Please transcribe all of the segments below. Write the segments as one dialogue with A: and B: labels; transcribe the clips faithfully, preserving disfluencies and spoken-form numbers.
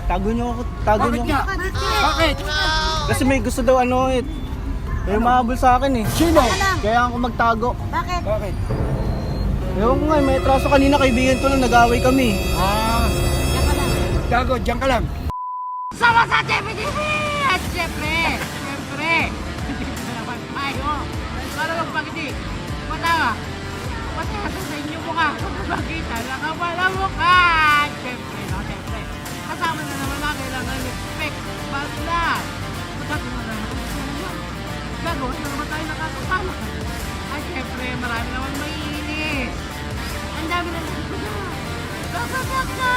A: Tago niyo ako, tago
B: Bakit
A: niyo
B: nga?
A: ako.
B: Bakit?
A: Kasi may gusto daw ano eh. May umahabol sa akin eh.
B: Sino?
A: Kaya ako magtago.
C: Bakit?
B: Bakit?
A: Ewan ko nga, eh, may atraso kanina, kaibigan ko lang, nag-away kami.
B: Ah,
C: Diyan ka lang.
B: gago, diyan ka lang.
C: Sama sa T V T V! At syempre, syempre, dito na naman tayo. Para magpagdi, matawa. Matawa sa inyo mukha, kung makita, nakawala mukha. At syempre, no, syempre. Kasama na naman na kailangan respect. Basta, magkakaroon na naman. Gagawin na naman tayo nakakasama. At syempre, marami naman maiinis. Ang dami na naman na. Kakakak na!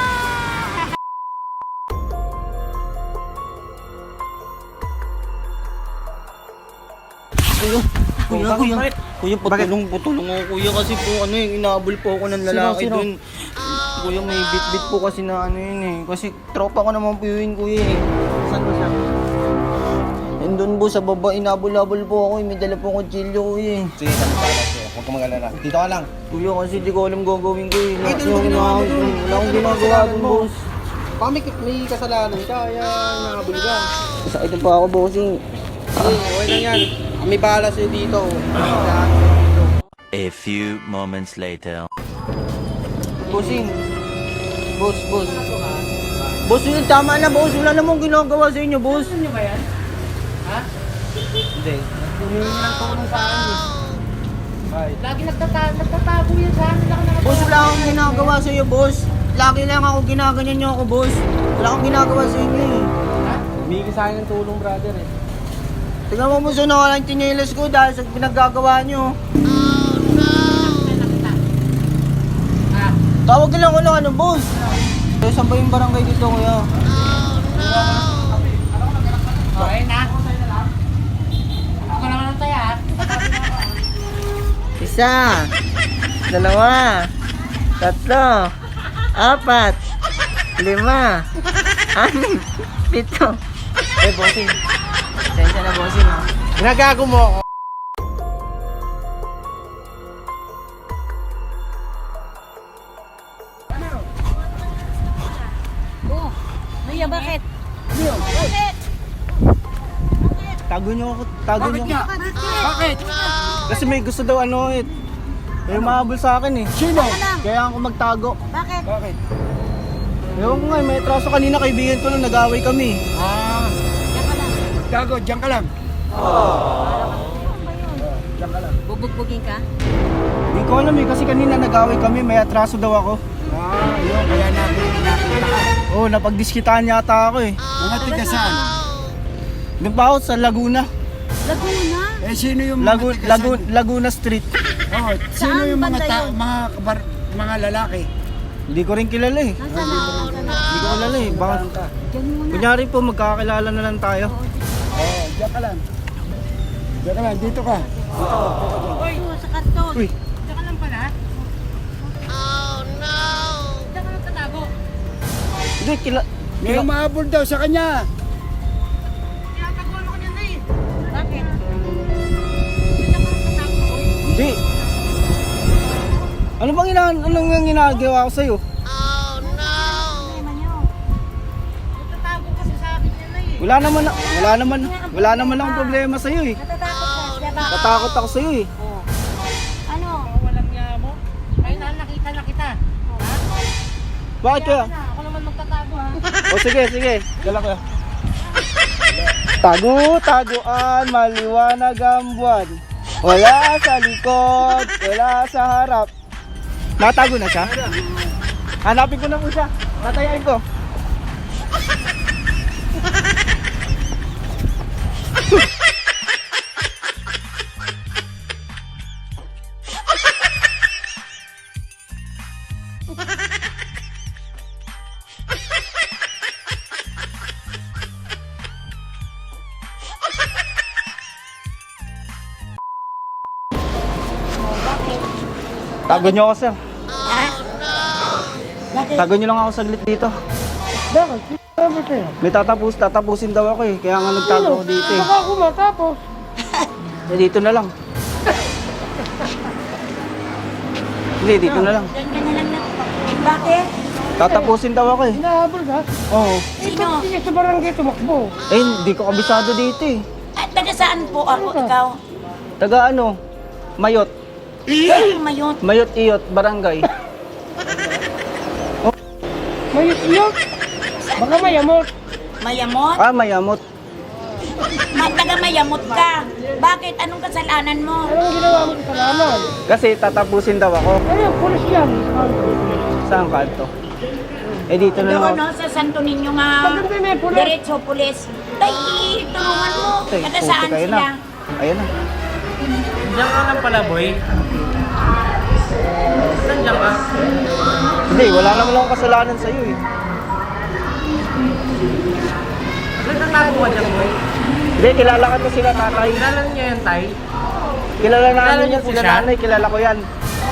D: Kuya, kuya,
A: bakit?
D: kuya,
A: Bakit?
D: kuya, patulong, patulong ako, kuya, kasi po, ano yung inaabol po ako ng lalaki
A: Sino, sino?
D: dun. Kuya, may bit-bit po kasi na ano yun eh, kasi tropa ko naman po yun, kuya eh.
A: Saan ba siya?
D: And dun po, sa baba, inabol-abol po ako eh, may dala po kutsilyo, kuya eh.
E: Sige, kami pala sa'yo. Huwag ka mag-alala. Dito ka lang.
D: Kuya, kasi di ko alam gagawin ko eh.
E: Ay,
D: Lahat
E: dun,
D: yung
E: dun,
D: ginawa ko,
E: dun, dun.
D: wala akong
E: Dun,
D: ginagawa
E: dun,
D: dun,
E: mo.
D: boss.
E: Baka may, may kasalanan ka, kaya nakabuli ka.
D: Sakit pa ako, bossing.
E: Sige, okay lang yan. Kami bahala sa'yo dito.
F: A few moments later.
D: Bossing. Boss, boss. Boss, yun, tama na, boss. Wala namang ginagawa sa inyo, boss.
C: Gusto niyo ba yan? Ha?
A: Hindi. Humingi ng tulong sa akin eh. Bakit?
C: Lagi nagtata- nagtatago yan sa amin. Laki na
D: Boss, wala akong ginagawa sa iyo, boss. Lagi lang ako ginaganyan niyo ako, boss. Wala akong ginagawa sa inyo eh.
A: Humingi sa akin ng tulong, brother eh.
D: Tingnan mo, boss, na wala yung tsinelas ko dahil sa pinaggagawa niyo. Tawag lang ko lang ano, boss. Eh, saan ba yung barangay dito, kuya?
C: Okay na. Ako naman ang taya.
D: Isa, dalawa, tatlo, apat, lima, anim, pito. Eh, bossing. Sensya na, bossing, ha?
A: Ginagago mo ako.
C: Oh, Maya, bakit? Bakit?
A: Tago niyo ako, tago
B: Bakit
A: niyo
B: nga?
A: ako.
B: Bakit?
A: Kasi may gusto daw ano eh. May umahabol sa akin eh.
B: Sino?
A: Kaya ako magtago.
C: Bakit?
B: Bakit?
A: Ewan ko nga, eh, may atraso kanina, kaibigan ko lang, nag-away kami.
B: Ah,
C: Diyan ka lang.
B: gago, diyan ka lang.
C: Bubugbugin ka?
A: Hindi ko alam eh, kasi kanina nag-away kami, may atraso daw ako.
B: Ah, yun, kaya natin nakita ka.
A: Oo, oh, napagdiskitaan yata ako eh.
B: Mga tiga saan?
A: Doon pa ako sa Laguna.
C: Laguna?
B: Eh, sino yung mga
A: Lagu
B: tiga
A: Lagu
B: saan?
A: Laguna Street.
B: Oh, sino
C: Saan
B: yung mga
C: banda
B: ta-
C: yun?
B: mga kabar mga lalaki?
A: Hindi ko rin kilala eh.
C: Nasaan na? Nasaan na?
A: Hindi ko kilala eh. Baka,
C: Diyan muna.
A: kunyari po, magkakilala na lang tayo.
B: Oh, diyan ka lang. Diyan ka lang, dito ka.
C: Uy, sa karton.
A: Uy,
C: Diyan ka lang pala? Oh, no! Diyan ka lang tatago.
A: hindi, kila...
B: May
A: kila
B: umahabol daw sa kanya.
C: Tinataguan ako niyan na eh. Bakit? Diyan ka lang tatago.
A: hindi. Ano bang ina anong yung ginagawa ko sa'yo?
C: Problema niyo. Nagtatago kasi sa akin yan na eh.
A: Wala naman, wala naman, wala naman akong problema sa'yo eh.
C: Natatakot ka, diba?
A: Natakot ako sa'yo eh.
C: Ano? Walang niya mo? Ayun na, nakita na kita. Ha?
A: Bakit kaya?
C: Na, ako naman magtatago ha.
A: O sige, sige. Dala ko. Tago, taguan, maliwanag ang buwan. Wala sa likod, wala sa harap. Natago na siya? Hanapin ko na po siya. Tatayain ko. Tago niyo ako, sir. Tago niyo lang ako saglit dito.
B: Bakit? Ano sa'yo?
A: May tatapos, tatapusin daw ako eh. Kaya nga nagtago ako dito eh.
B: Baka ako matapos.
A: Eh, dito na lang. Hindi, dito na lang.
C: Diyan ka na lang na. Bakit?
A: Tatapusin daw ako eh.
B: Hinahabol ka?
A: Oo.
C: Sino?
B: Sige sa barangay tumakbo.
A: Eh, hindi ko kabisado dito eh.
C: Ay, taga saan po ako, ikaw?
A: Taga ano? Mayot.
C: Ay, mayon.
A: Mayot Iyot, barangay.
B: Mayot iyot. Baka mayamot.
C: Mayamot?
A: Ah, Mayamot.
C: Ma, taga mayamot ka. Bakit? Anong kasalanan mo?
B: Anong ginawa mo sa kasalanan?
A: Kasi tatapusin daw ako.
B: Ano, pulis yan.
A: Saan kanto? Eh, dito na
C: Doon,
A: lang
C: no, sa Santo Niño nga.
B: Maganda na yung pulis.
C: Diretso, pulis. Ay, tulungan mo.
A: Tay,
C: Taga
A: puti
C: saan
A: kayo
C: sila?
A: na. Ayan na.
D: Diyan ka lang pala, boy. Saan diyan ka?
A: Hindi, wala naman akong kasalanan sa'yo eh.
D: Saan nagtago ka dyan, boy?
A: Hindi, kilala ka to sila tatay.
D: Kilala niya yan, tay?
A: Kilala
D: Kilala
A: namin
D: niyo
A: yan
D: po
A: sila
D: siya?
A: nanay, kilala ko yan.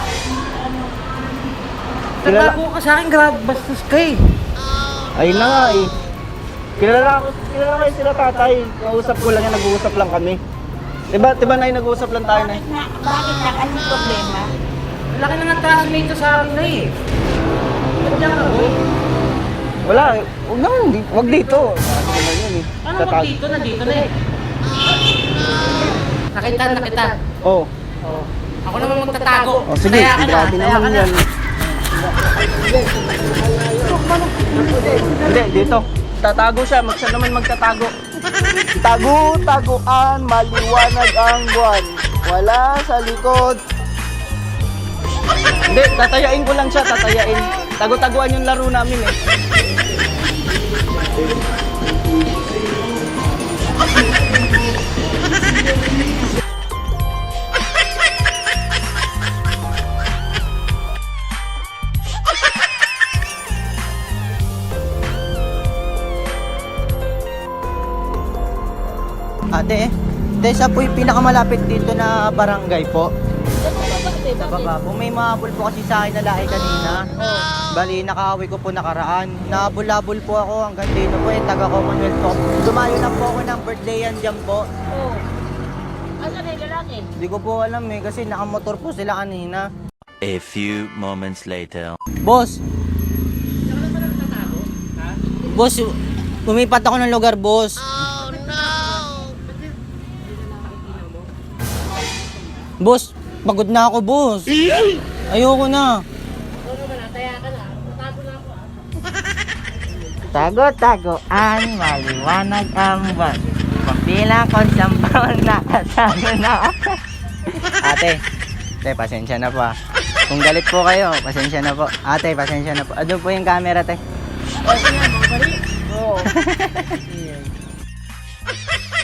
A: Kilala,
D: Nagtago ka sa akin, grab, bastos ka eh.
A: ayun na nga eh. Kilala ko, kilala ko yung sila tatay. Kausap ko lang yan, nag-uusap lang kami. Diba, diba na nag-uusap lang tayo na
C: Bakit na? Bakit na? Anong problema?
D: Laki na nagtago nito sa akin na eh. Saan diyan ka, boy?
A: Wala, eh. Huwag na, hindi- huwag dito. Ano naman yun eh.
D: Ano
A: Sa
D: mo
A: tag-
D: dito? Nandito na eh. Nakita, nakita.
A: Oh.
D: Oh. Ako naman magtatago.
A: Oh, sige,
D: Taya ka na,
A: grabe
D: taya
A: naman
D: ka na.
A: yan. Hindi, dito. Tatago siya, mag siya naman magtatago. Tago-taguan, maliwanag ang buwan. Wala sa likod. Hindi, tatayain ko lang siya, tatayain. Tago-taguan yung laro namin eh.
D: Ate, ate, sa po yung pinakamalapit dito na barangay po. Sa baba po. May mahabol po kasi sa akin na lahi kanina. Bali, nakaaway ko po nakaraan. Nahabol-habol po ako hanggang dito po eh, taga Commonwealth po. Dumayo na po ako ng birthday yan dyan po.
C: Oh. Asan na yung lalaki?
D: Hindi ko po alam eh, kasi nakamotor po sila kanina.
F: A few moments later.
D: Boss! Boss, lumipat ako ng lugar, boss. Boss, pagod na ako, boss. Ayoko na.
A: Tago-taguan, maliwanag ang buwan. Pagpila ko siyang bawang nakasama na ako.
D: Ate, ate, pasensya na po ah. Kung galit po kayo, pasensya na po. Ate, pasensya na po. Ano po yung camera, te?
C: Oh, yan, mga balik. Oo.